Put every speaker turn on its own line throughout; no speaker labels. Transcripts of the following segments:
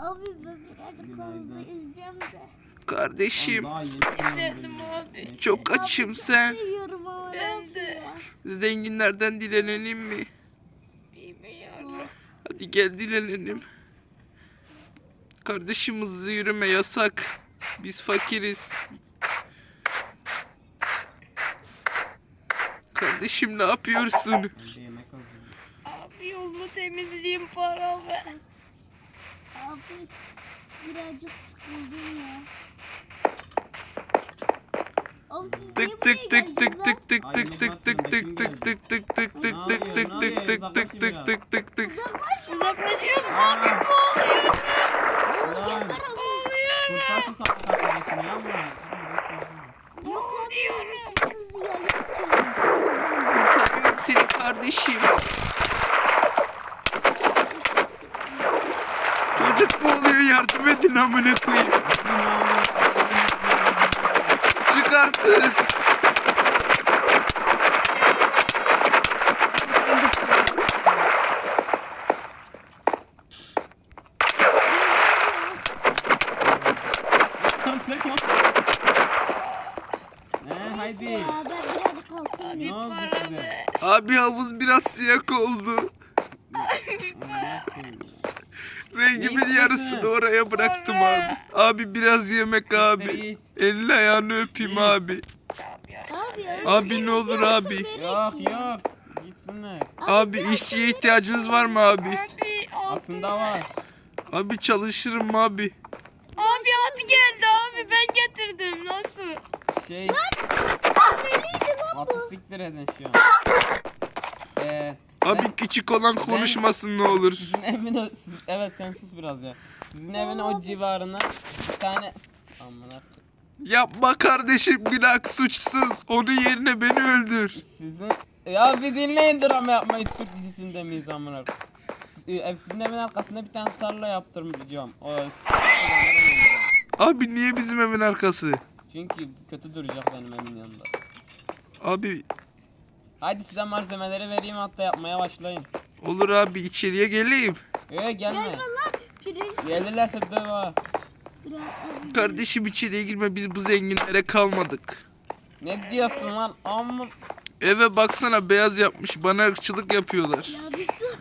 Abi ben birazcık havuzda yüzeceğim de.
Kardeşim
İstedim abi.
çok açım
Abi çok
sen.
seviyorum ama
Ben de.
Zenginlerden dilenelim mi?
Bilmiyorum.
Hadi gel dilenelim. Kardeşim hızlı yürüme yasak. Biz fakiriz. Kardeşim ne yapıyorsun?
Abi yolunu temizleyeyim para ver.
Abi birazcık sıkıldım ya. Abi siz niye
Tık
buraya
tık tık tık
geldiniz
tık
lan?
tık tık tık tık tık tık tık tık tık tık tık tık tık tık tık tık tık tık tık.
Uzaklaşıyoruz abi, boğuluyorum.
Geber abi.
Boğuluyorum. Boğuluyorum.
Hızlı ya lütfen.
Kurtarıyorum seni kardeşim. Çocuk boğuluyor, yardım edin amına koyayım. Çık artık.
Haydi.
Ya ben birazcık altına
Ne oldu
Para
size?
ver.
Abi havuz biraz siyah oldu. Rengimin
Ne
yarısını
istiyorsun?
oraya bıraktım
Para.
abi. Abi biraz yemek abi.
git.
Elini ayağını öpeyim abi.
Abi ya.
Abi ne olur abi.
Yok. Gitsinler.
Abi işçiye ihtiyacınız var mı abi?
Abi altın.
Aslında var.
Abi çalışırım abi.
Abi at geldi abi, ben getirdim. Nasıl?
Şey. Atı siktir edin şu an.
Abi küçük olan konuşmasın ne olur.
Sizin evin evet sen sus biraz ya. Sizin evin o civarına bir tane amına
Yapma kardeşim, günah suçsuz. Onun yerine beni öldür.
sizin ya bir dinleyin, drama yapmayı. Türk dizisinde miyiz amına? Sizin evin arkasında bir tane tarla yaptıracağım.
Abi niye bizim evin arkası?
Çünkü kötü duracak benim evimin yanında.
Abi
Haydi size malzemeleri vereyim, hatta yapmaya başlayın.
olur abi, içeriye geleyim.
Gelme.
Gelme lan. Prenses.
Gelirlerse döv ha.
Dur abi.
Kardeşim içeriye girme, biz bu zenginlere kalmadık.
Ne diyorsun lan? Amma
Eve baksana, beyaz yapmış, bana ırkçılık yapıyorlar.
Ya bir sus.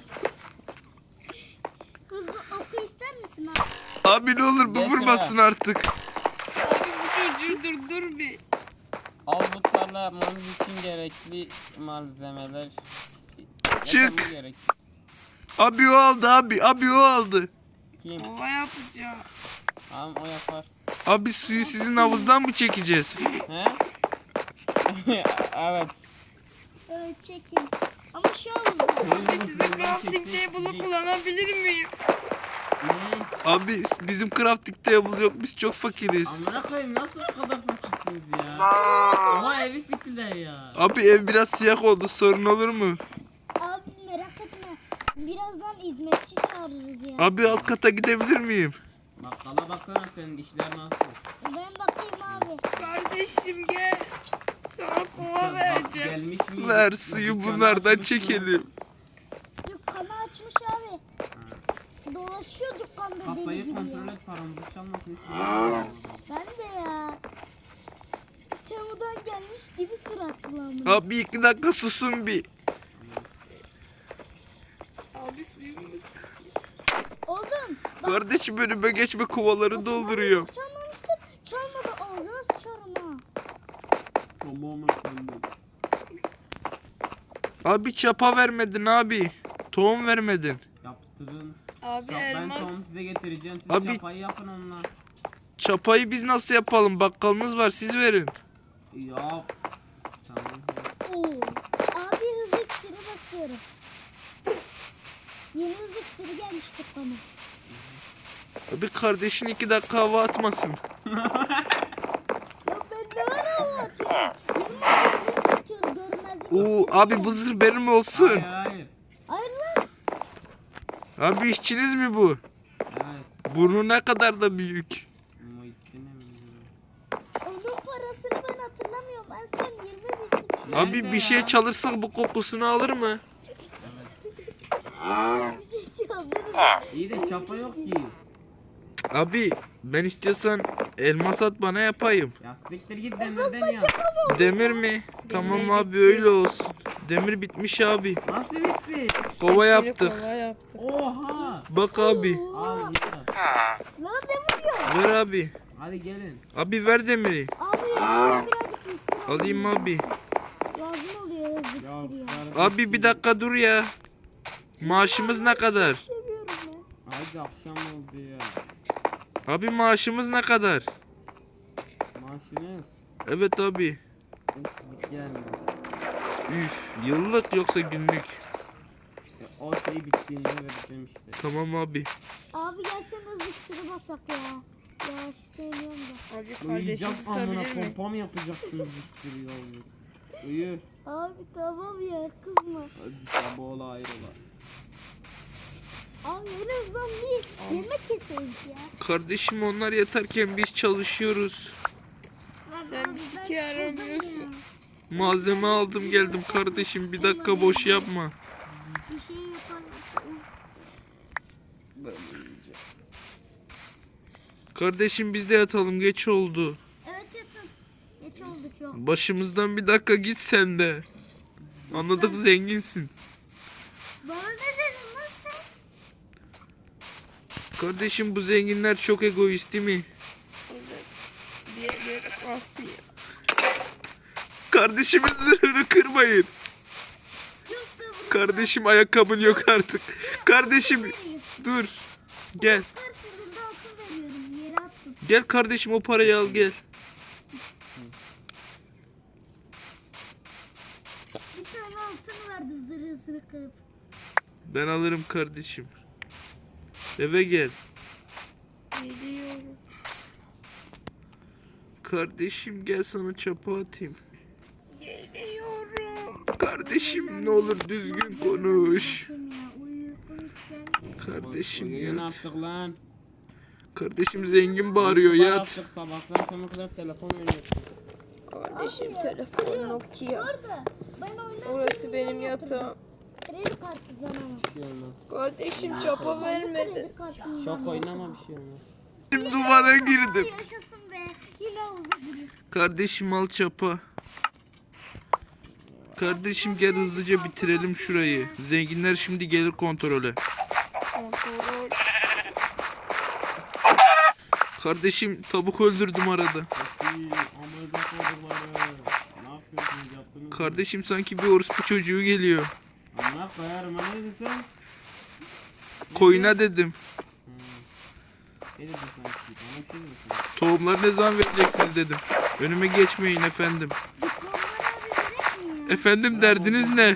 Hızlı oku ister misin abi?
Abi ne olur bu
Geç
vurmasın artık.
Abi bu çocuğu durdur bir.
al bu tarla yapmamız için gerekli malzemeler.
Çık.
Yapmamız gerek.
Abi o aldı abi, abi o aldı.
Kim?
Ova yapacağım.
Tamam o yapar.
Abi suyu sizin havuzdan mı çekeceğiz?
He? Evet.
Evet çekin. Ama şu an
Abi sizin crafting table'ı kullanabilir miyim?
Ne?
Abi bizim crafting table yok, biz çok fakiriz.
Amına koyayım, nasıl bu kadar fakirsiniz ya? Ama evi siktiler ya.
Abi ev biraz siyah oldu, sorun olur mu?
abi merak etme. Birazdan hizmetçi çağırırız ya.
Abi alt kata gidebilir miyim?
Bakkala baksana, senin dişler nasıl?
Ben bakayım abi.
Kardeşim gel. Sana kova vereceğim.
Gelmiş mi?
Ver suyu bunlardan çekelim.
Dükkanı açmış abi. Dolaşıyor dükkanda deli
Kasayı
gibi
kontrol
ya.
et, paramızı çalmasın istiyorum.
Ben de ya. Temu'dan gelmiş gibi suratlı ama.
Abi 2 dakika susun bir.
Abi suyumu sıkayım.
Oğlum. Bak.
Kardeşim önüme geçme, kovaları dolduruyorum.
Çalmamıştım. Çalmadı ağzına sıçarım ha.
Tamam efendim.
Abi çapa vermedin abi. Tohum vermedin.
Yaptırın.
Abi
Ben tohum
elmas.
size getireceğim. Siz
Abi-
çapayı yapın onunla.
Çapayı biz nasıl yapalım? Bakkalınız var, siz verin.
Yap. Tamam.
Oo. Abi hızlı iksiri basıyorum. Yeni hızlı iksiri gelmiş dükkana.
Abi kardeşin 2 dakika hava atmasın.
Ya bende var ama atıyorum. 20 dakika atıyorum görmezlik.
Oo abi bu zırh benim olsun.
Hayır.
Hayır lan.
Abi işçiniz mi bu?
Evet.
Burnu ne kadar da büyük.
Muhittin'e mi?
Onun parasını ben hatırlamıyorum. En son 20 bin.
Abi
Nerede
bir şey
ya?
çalırsak bu kokusunu alır mı?
Bir şey alırım.
İyi de çapa yok ki.
Abi ben istiyorsan elmas at bana yapayım.
Ya siktir git demirden ya.
Demir mi? Tamam abi öyle olsun. Demir bitmiş abi.
Nasıl bitti?
Kova
Hepsini
yaptık.
kova yaptık.
Oha.
Bak abi.
Al ya.
Lan demir yok.
Ver abi.
Hadi gelin.
Abi ver demiri.
Abi birazcık üstüne
Alayım abi.
lazım oluyor yazık
Ya,
ya.
Abi bir dakika dur ya. Maaşımız ne kadar?
Seviyorum ben.
Hadi akşam oldu ya.
Abi maaşımız ne kadar?
Maaşınız.
Evet abi.
Eksik gelmez.
Üf, yıllık yoksa günlük.
O şey bittiğinde vereceğim işte.
Tamam abi.
Abi gelsene hızlı şunu basak ya. Ya şu sevmiyorum da.
Abi kardeşim
Uyuyacağım amına
susabilir mi?
pompa mı yapacaksınız bir sürü yolunuz? Uyu.
Abi tamam ya kızma.
Hadi sabah ola ayrıla.
Abi en azından bir yemek keselim ya.
Kardeşim onlar yatarken biz çalışıyoruz.
Sen
Abi
bir
ben
siki aramıyorsun.
Malzeme aldım geldim kardeşim. Bir dakika boş yapma.
bir şey yapalım.
Ben uyuyacağım.
Kardeşim biz de yatalım geç oldu.
Evet yatın. Geç oldu çok.
Başımızdan bir dakika git sen de. Anladık zenginsin.
Bana ne dedin lan sen?
Kardeşim bu zenginler çok egoist değil mi?
Evet. Diğerleri farklı.
Kardeşimin zırhını kırmayın.
Yok da bunu
Kardeşim ayakkabın yok artık. Kardeşim dur. Gel.
karşılığında altın veriyorum. Yere attım.
Gel kardeşim o parayı al gel.
Bir tane altın verdim zırhısını kırıp.
Ben alırım kardeşim. Eve gel.
Geliyorum.
Kardeşim gel sana çapa atayım.
Geliyorum.
Kardeşim ne olur düzgün konuş.
Bakın ya uyuyorken
Kardeşim
Uyuyun
yat.
artık lan.
Kardeşim zengin bağırıyor
Sabah
yat.
yaptık, sabahtan sonra kadar telefon oynuyorsun.
Kardeşim telefon Nokia.
orada. Ben oynarken
Orası benim yatağım.
kredi kartından ama.
Bir şey olmaz.
Kardeşim çapa vermedi.
Kredi kartından.
Şok oynama bir şey olmaz.
Şimdi duvara girdim.
Yaşasın be. Yine havuza giriyor.
Kardeşim al çapa. Kardeşim gel hızlıca bitirelim şurayı. Zenginler şimdi gelir kontrole.
Kontrol.
Kardeşim tavuk öldürdüm arada.
Amına koydum bana. Ne yapıyorsunuz yaptınız mı?
Kardeşim sanki bir orospu çocuğu geliyor.
Allah koyarım ha ne dedin sen?
Koyuna dedim.
Ne dedin sen? Bana bir şey dedin sen.
Tohumları ne zaman vereceksiniz dedim. Önüme geçmeyin efendim.
Diplomlar abi verek mi ya?
Efendim derdiniz ne?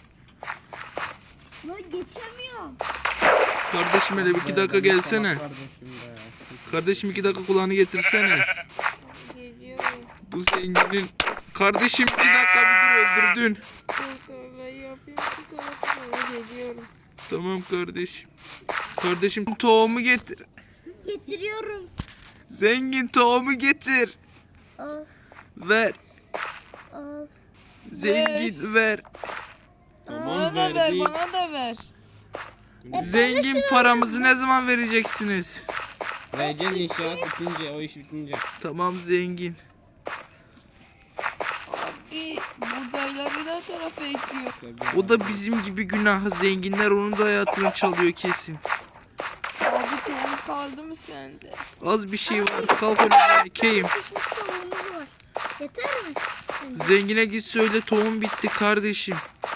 Lan geçemiyorum.
Kardeşim hele bir 2 dakika gelsene.
Kardeşim be.
Kardeşim 2 dakika kulağını getirsene.
Geliyorum.
Bu zenginin... Kardeşim 2 dakika bir dur öldürdün.
Kontrolü yapayım. Şu tarafa doğru geliyorum.
Tamam kardeşim. Kardeşim tohumu getir.
Getiriyorum.
Zengin tohumu getir.
Al
Ver.
al.
Zengin ver.
Bana da ver,
verdik.
bana da ver.
Zengin paramızı ne zaman vereceksiniz?
Vereceğiz inşaat bitince, o iş bitince.
Tamam zengin.
Abi buğdayları da tarafa ekiyor.
O da bizim gibi günah. Zenginler onun da hayatını çalıyor kesin.
Abi tohum kaldı mı sende?
Az bir şey var. Kalk önüme ekeyim.
Pişmiş tavuğumuz var. Yeter mi?
Zengine git söyle tohum bitti kardeşim.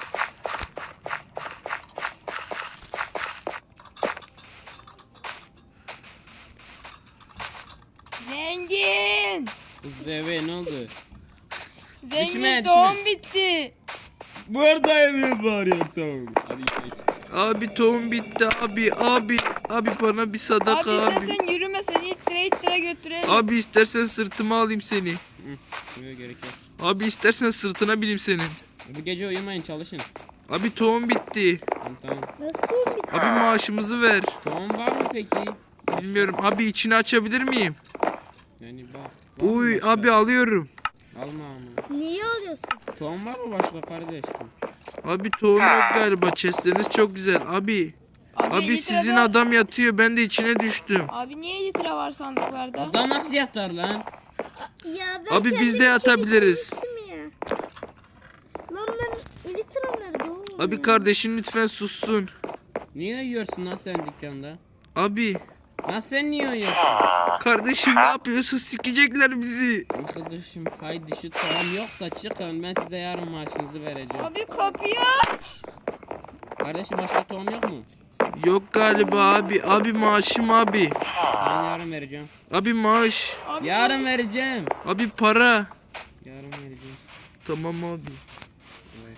Zengin!
Kız eve ne oldu?
Zengin
İsmet,
tohum bitti.
Buradayım bağırıyorsun. Hadi gidelim.
Abi tohum bitti abi. Abi bana bir sadaka
Abi
abi.
istersen yürüme seni ittire götürelim.
Abi istersen sırtıma alayım seni.
Yok gerek yok.
Abi istersen sırtına bineyim senin.
Bu gece uyumayın çalışın.
Abi tohum bitti.
Tamam.
Nasıl tohum bitti?
Abi maaşımızı ver.
Tohum var mı peki?
Bilmiyorum. Abi içini açabilir miyim?
Yani bak. var mı
Uy
başka?
abi alıyorum.
Alma ama.
Niye alıyorsun?
Tohum var mı başka kardeşim?
Abi tohum yok galiba. Chestleriniz çok güzel. Abi Abi
50
sizin
lira-
adam yatıyor, ben de içine düştüm.
Abi niye 50 lira var sandıklarda?
Adam nasıl yatar lan?
Ya ben
Abi biz
kendim
de
için
yatabiliriz.
istemiştim ya. Lan ben elitram nerede oğlum
Abi
ya?
kardeşim lütfen sussun.
Niye yiyorsun lan sen dükkanda?
Abi
Lan sen niye yiyorsun?
kardeşim ne yapıyorsun? Sikecekler bizi.
Arkadaşım haydi şu tohum yoksa çıkın, ben size yarın maaşınızı vereceğim.
Abi kapıyı aç.
Kardeşim başka tohum yok mu?
Yok galiba abi. Abi maaşım abi.
Ben yarın vereceğim.
Abi maaş.
Abi
Yarın vereceğim.
Abi para.
Yarın vereceğim.
Tamam abi.
Evet.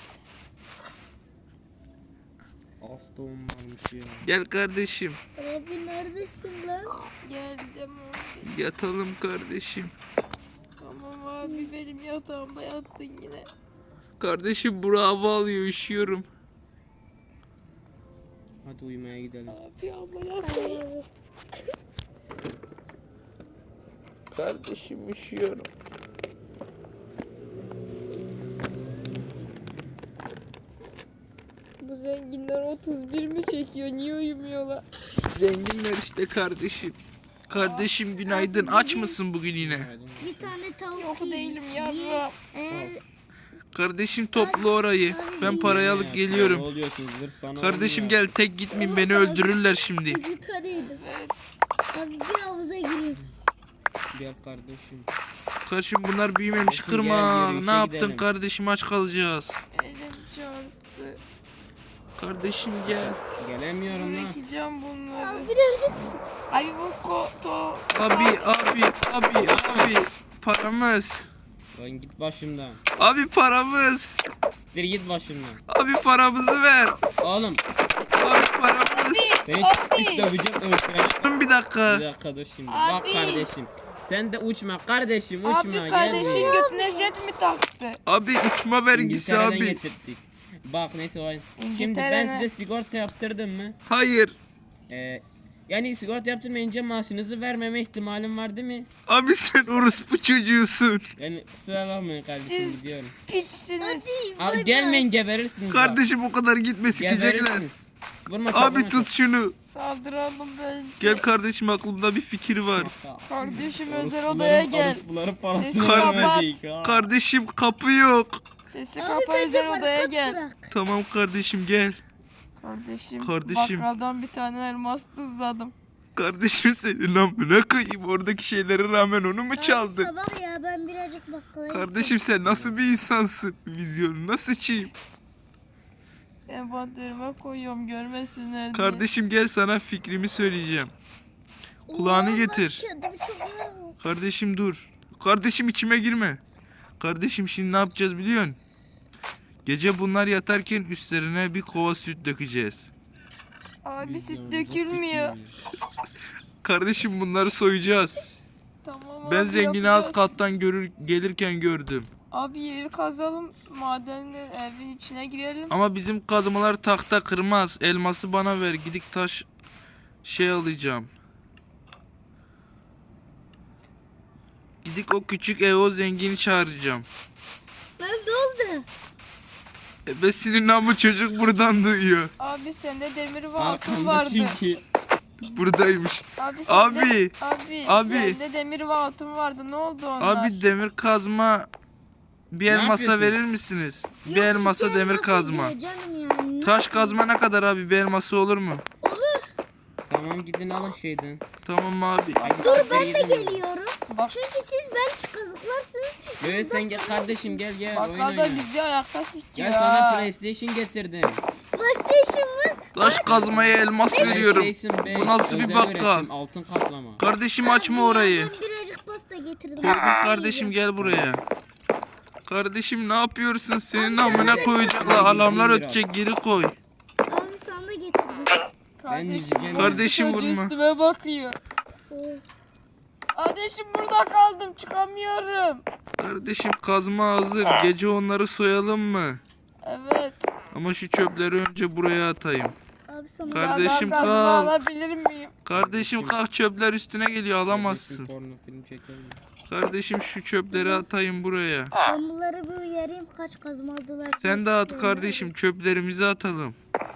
Az tohum varmış ya.
Gel kardeşim.
Abi neredesin lan?
geldim abi.
Yatalım kardeşim.
Tamam abi benim yatağımda yattın yine.
Kardeşim bura hava alıyor, üşüyorum.
Hadi uyumaya gidelim.
Abi ama yattın.
Kardeşim üşüyorum.
Bu zenginler 31 mi çekiyor? Niye uyumuyorlar?
Zenginler işte kardeşim. Kardeşim günaydın. Aç mısın bugün yine?
Bir tane tavuk
Yok
yiyeyim.
değilim yavrum.
Eğer
Kardeşim topla orayı. Ben parayı alıp
Ne
geliyorum.
oluyorsunuz? Zır sana
Kardeşim
olmuyor.
gel, tek gitmeyin, beni öldürürler şimdi.
bir tane yedim. Abi bir havuza gireyim.
Gel kardeşim.
Kardeşim bunlar büyümemiş,
Olsun,
kırma.
gel, yürüyüşe
Ne yaptın
gidelim.
kardeşim, aç kalacağız.
Elim çarptı.
Kardeşim gel.
Gelemiyorum lan.
Bırakacağım bunları.
Abi neredesin?
Abi bu koto.
Abi paramız.
Lan git başımdan.
Abi paramız.
Siktir git başımdan.
Abi paramızı ver.
Oğlum
Abi paramız.
seni çok pis döveceğim, öldüreceğim.
Dur bir dakika.
Bir dakika dur şimdi.
Abi.
Bak kardeşim. Sen de uçma kardeşim, uçma.
Abi
gel
kardeşim
buraya.
götüne jet mi taktı?
Abi uçma vergisi
İngiltere'den
abi.
getirttik. Bak neyse o. Şimdi ben
İngiltere'ne-
size sigorta yaptırdım mı?
Hayır.
Yani sigorta yaptırmayınca maaşınızı vermeme ihtimalim var değil mi?
Abi sen orospu çocuğusun.
Yani kusura bakmayın kardeşim,
Siz-
gidiyorum.
Piçsiniz.
Abi gelmeyin, geberirsiniz. bak.
Kardeşim o kadar gitme, sikecekler.
Geberirsiniz. Vurma çok,
Abi
vurma
tut şunu.
Saldıralım bence.
Gel kardeşim, aklımda bir fikir var.
çok.
Kardeşim özel
Orospuların-
odaya gel.
orospuların parasını
Sesini
vermedik ha.
Kardeşim kapı yok.
Sesi
Abi
kapa
bence
özel odaya
barkod
gel.
bırak.
Tamam kardeşim gel.
Kardeşim. Bakkaldan bir tane elmas tuzladım.
Kardeşim senin amına koyayım, oradaki şeylere rağmen onu mu
Abi
çaldın?
sabah ya ben birazcık bakkala
Kardeşim sen nasıl bir insansın? Vizyonu nasıl çiğim?
Envanterime koyuyorum görmesinler diye.
Kardeşim gel, sana fikrimi söyleyeceğim.
gittim.
Kulağını
Allah,
getir.
kendimi çok yoruldım.
Kardeşim dur. Kardeşim içime girme. Kardeşim şimdi ne yapacağız biliyorsun? Gece bunlar yatarken üstlerine bir kova süt dökeceğiz.
Abi süt
Vizyonumuzu
dökülmüyor.
Kardeşim bunları soyacağız.
Tamam
Ben
abi,
zengini alt
yapacağız.
kattan gelirken gördüm.
Abi yeri kazalım. Madenle evin içine girelim.
Ama bizim kazmalar tahta kırmaz. Elması bana ver. Gidik taş alacağım. Gidik o küçük o zengini çağıracağım.
Ben ne oldu?
Ebesinin namı çocuk buradan duyuyor.
Abi sende demir ve altın
Arkamda
vardı.
çünkü.
Buradaymış.
Abi,
Abi,
abi,
abi.
sende demir ve altın vardı. Ne oldu onlar?
Abi demir kazma bir
Ne
elmasa
yapıyorsun?
verir misiniz? Bir
Yok,
elmasa
iki
demir
elmas
kazma.
ediyor canım yani.
Taş kazma ne kadar abi? Bir elması olur mu?
Tamam gidin alın şeyden.
Tamam abi.
Hadi
Dur
siktir
ben de
gidin.
geliyorum.
Bak.
Çünkü siz belki kazıklarsınız.
Evet sen gel kardeşim, gel oyun
Bakkalda
oyna.
bizi ayakta sikiyor.
Gel sana PlayStation getirdim.
PlayStation mı?
Taş kazmaya elmas veriyorum.
PlayStation 5,
Bu nasıl bir
özel
bakkal?
üretim, altın kaplama.
Kardeşim açma orayı.
Ben birazcık pasta getirdim.
Korkut kardeşim gel buraya. Kardeşim ne yapıyorsun? Senin amına koyacaklar. Alarmlar ötecek, geri koy.
Abi sana da getirdim.
Kardeşim,
izleyeceğim.
Kardeşim
çocuğu
vurma.
üstüme bakıyor.
Oh.
Kardeşim burada kaldım çıkamıyorum.
Kardeşim kazma hazır. Gece onları soyalım mı?
Evet.
Ama şu çöpleri önce buraya atayım.
Abi sana
Kardeşim
Daha kazma
kalk.
alabilir miyim?
Kardeşim kalk, çöpler üstüne geliyor, alamazsın.
Porno film çekelim.
Kardeşim şu çöpleri atayım buraya.
ben bunları bir uyarayım kaç kazma aldılar.
Sen de at kardeşim, çöplerimizi atalım.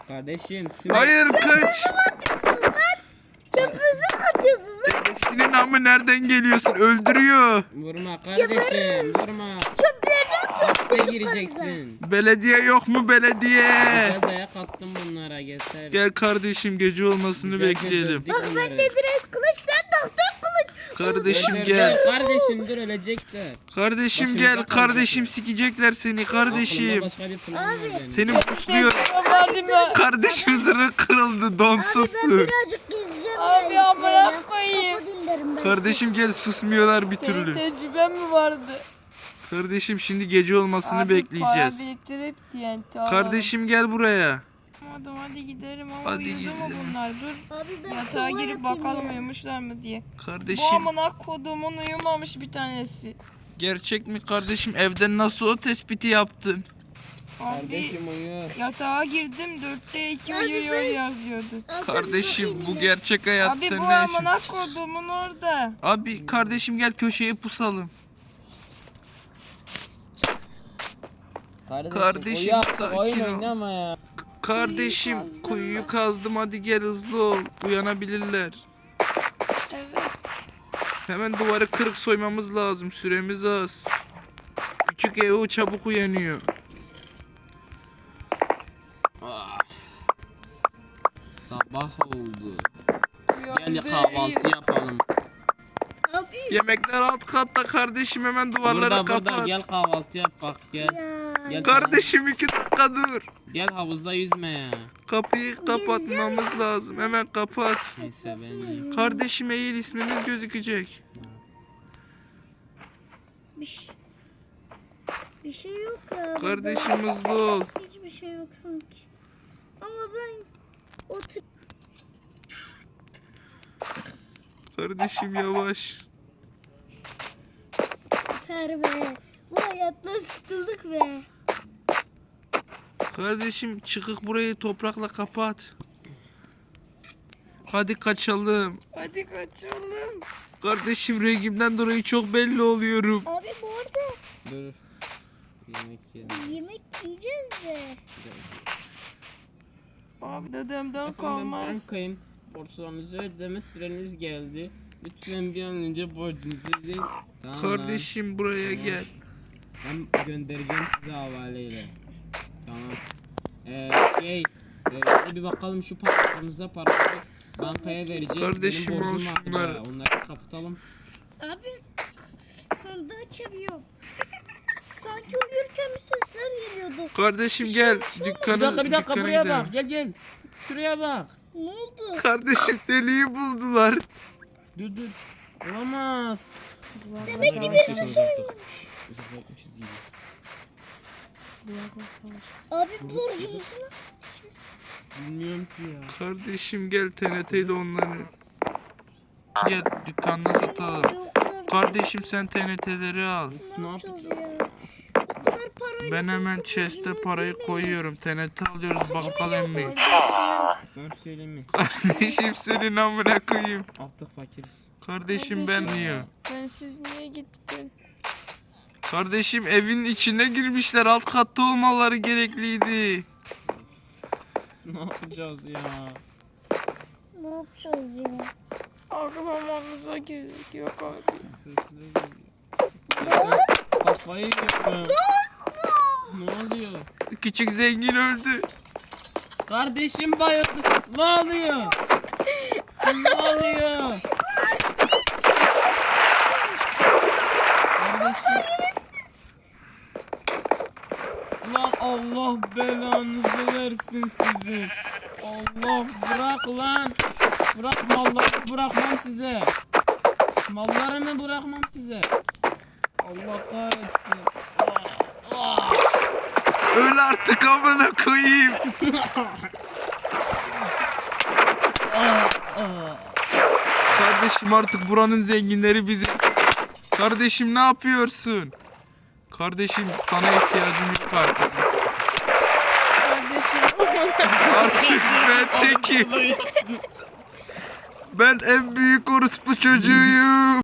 Kardeşim tüm
Hayır kaç.
Çöpünüzü mü atıyorsunuz lan?
Senin amı nereden geliyorsun? Öldürüyor.
vurma kardeşim vurma.
Çöplerini atıyorsunuz.
Hapse gireceksin.
Belediye yok mu belediye?
Güzel dayak attım bunlara yeter.
Gel kardeşim gece olmasını
Güzel
bekleyelim.
dövdük
Bak
bunları.
ben de direkt kılıç, sen tahta kılıç.
Kardeşim
Öldürecek.
gel.
Kardeşim dur ölecekler.
Kardeşim
Başımıza
gel. Kardeşim sikecekler seni
Aklımda
kardeşim.
başka bir plan var benim.
Seni pusluyor.
Verdim ben.
Kardeşim zırhı kırıldı
Abi ben
donsuzsun.
birazcık gezeceğim.
Abi
ya,
amına
ya.
koyayım.
Kafa dinlerim ben.
Kardeşim gel susmuyorlar bir
Senin
türlü.
tecrüben mi vardı?
Kardeşim şimdi gece olmasını
Abi,
bekleyeceğiz.
Para biriktirip TNT alalım.
Kardeşim gel buraya.
Hadi gidelim ama
Hadi
uyudu mu
gidelim.
bunlar? Dur.
Abi ben
Yatağa
kova
girip
yapayım
bakalım
ya.
uyumuşlar mı diye. Bu
Kardeşim
amına kodumun uyumamış bir tanesi.
gerçek mi kardeşim? Evden nasıl o tespiti yaptın?
Abi
Kardeşim uyuyor.
yatağa girdim 4'te 2
Abi
uyuyor
ben-
yazıyordu.
Abi
Kardeşim
ben-
bu gerçek hayat
Abi
sen
bu
ne yaşıyorsun?
amına kodumun orada.
Abi kardeşim gel köşeye pusalım. Kardeşim,
uyu
sakin
oyun
ol.
oynama ya.
Kardeşim
kazdım
kuyuyu
ben.
kazdım hadi gel hızlı ol. Uyanabilirler.
Evet.
Hemen duvarı kırık soymamız lazım. Süremiz az. Küçük Evo çabuk uyanıyor.
Sabah oldu. Gel
Uyandı.
kahvaltı yapalım.
Abi
Yemekler alt katta kardeşim hemen duvarları
Burada
kapat.
gel kahvaltı yap bak gel.
ya.
Gel
Kardeşim 2 dakika dur.
Gel havuzda yüzme ya.
Kapıyı kapatmamız lazım. Hemen kapat.
Neyse ben yiyeyim.
Kardeşim eğil ismimiz gözükecek.
Bir şey yok ya.
Kardeşim hızlı ol.
Hiçbir şey yok sanki. Ama ben otur.
Kardeşim yavaş.
Yeter be. Bu hayatla sıkıldık be.
Kardeşim çıkık burayı toprakla kapat. Hadi kaçalım.
Hadi kaçalım.
Kardeşim rengimden dolayı çok belli oluyorum.
Abi bu arada
Dur. Yemek yiyelim.
yemek yiyeceğiz de.
Abi dedemden
Efendim
kalmaz.
bankayım. Borçlarınızı ödeme süreniz geldi. Lütfen bir an önce borcunuzu ödeyin. Tamam.
Kardeşim buraya gel.
Ben göndereceğim size havaleyle. Tamam. Bir bakalım şu paraları bankaya vereceğiz.
Kardeşim,
Benim
al
borcum var
şunları.
da, onları kapatalım.
Abi sandığı açamıyorum. Sanki uyurken bir sesler geliyordu.
Kardeşim gel. Dükkanı,
Bir dakika
dükkana
buraya
gidelim.
bak. Gel. Şuraya bak.
Ne oldu?
Kardeşim deliği buldular.
Dur. Olamaz.
Demek ki Abi borcumuzu nasıl?
Bilmiyorum ki ya.
Kardeşim gel TNT'yle onları. Gel dükkanına satalım.
O kadar,
Kardeşim sen TNT'leri al.
ne
Ne
yapacağız ya? O kadar parayla
Ben hemen
borcumuzu
chest'e parayı
ödeyemeyiz.
koyuyorum. TNT alıyoruz bakkal emmi.
Sana bir şey söyleyeyim mi?
Kardeşim senin amına koyayım.
Artık fakiriz.
Kardeşim ben niye?
Ben siz niye gittin?
Kardeşim evin içine girmişler. Alt katta olmaları gerekliydi.
Ne yapacağız ya?
Ne yapacağız ya?
Aklamamıza gerek yok abi.
Sesler geliyor. Kafayı yiyorum. Ne oluyor?
Küçük zengin öldü.
Kardeşim bayıldı. Ne oluyor? Ne oluyor? Kardeşim. Lan Allah belanızı versin sizin. Allah bırak lan. Bırak malları bırakmam size. Mallarımı bırakmam size. Allah kahretsin.
Öl artık amına koyayım. Kardeşim artık buranın zenginleri biziz. Kardeşim ne yapıyorsun? Kardeşim sana ihtiyacım yok artık.
Kardeşim.
Artık ben tekim. Ben en büyük orospu çocuğuyum.